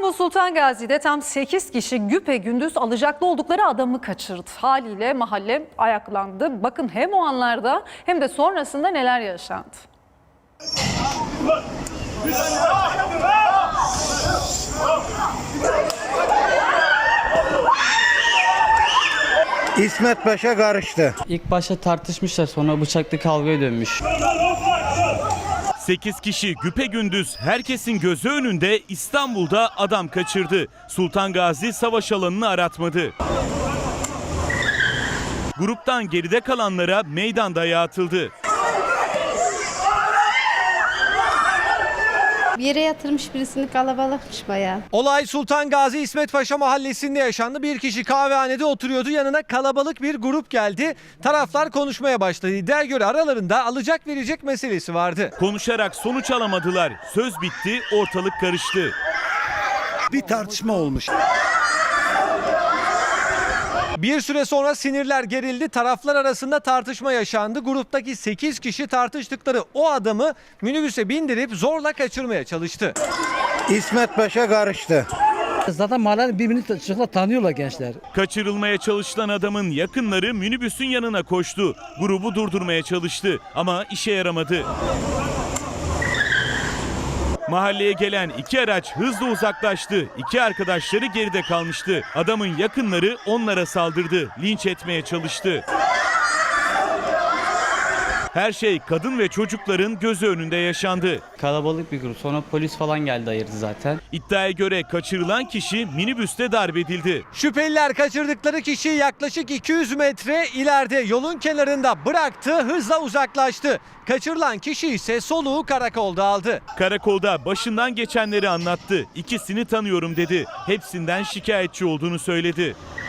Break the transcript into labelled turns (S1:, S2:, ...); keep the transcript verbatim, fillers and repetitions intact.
S1: İstanbul Sultan Gazi'de tam sekiz kişi güpegündüz alacaklı oldukları adamı kaçırdı. Haliyle mahalle ayaklandı. Bakın hem o anlarda hem de sonrasında neler yaşandı.
S2: İsmet Paşa karıştı.
S3: İlk başta tartışmışlar, sonra bıçaklı kavgaya dönmüş.
S4: sekiz kişi güpegündüz herkesin gözü önünde İstanbul'da adam kaçırdı. Sultan Gazi savaş alanını aratmadı. Gruptan geride kalanlara meydan dayağı atıldı.
S5: Bir yere yatırmış birisini, kalabalıkmış bayağı.
S6: Olay Sultan Gazi İsmet Paşa mahallesinde yaşandı. Bir kişi kahvehanede oturuyordu. Yanına kalabalık bir grup geldi. Taraflar konuşmaya başladı. İddiaya göre aralarında alacak verecek meselesi vardı.
S4: Konuşarak sonuç alamadılar. Söz bitti, ortalık karıştı.
S2: Bir tartışma olmuş.
S6: Bir süre sonra sinirler gerildi. Taraflar arasında tartışma yaşandı. Gruptaki sekiz kişi tartıştıkları o adamı minibüse bindirip zorla kaçırmaya çalıştı.
S2: İsmet Paşa karıştı.
S7: Zaten mahallenin birbirini çocuklar tanıyorlar gençler.
S4: Kaçırılmaya çalışılan adamın yakınları minibüsün yanına koştu. Grubu durdurmaya çalıştı ama işe yaramadı. Mahalleye gelen iki araç hızla uzaklaştı. İki arkadaşları geride kalmıştı. Adamın yakınları onlara saldırdı. Linç etmeye çalıştı. Her şey kadın ve çocukların gözü önünde yaşandı.
S3: Kalabalık bir grup, sonra polis falan geldi, ayırdı zaten.
S4: İddiaya göre kaçırılan kişi minibüste darp edildi.
S6: Şüpheliler kaçırdıkları kişiyi yaklaşık iki yüz metre ileride yolun kenarında bıraktı, hızla uzaklaştı. Kaçırılan kişi ise soluğu karakolda aldı.
S4: Karakolda başından geçenleri anlattı. İkisini tanıyorum dedi. Hepsinden şikayetçi olduğunu söyledi.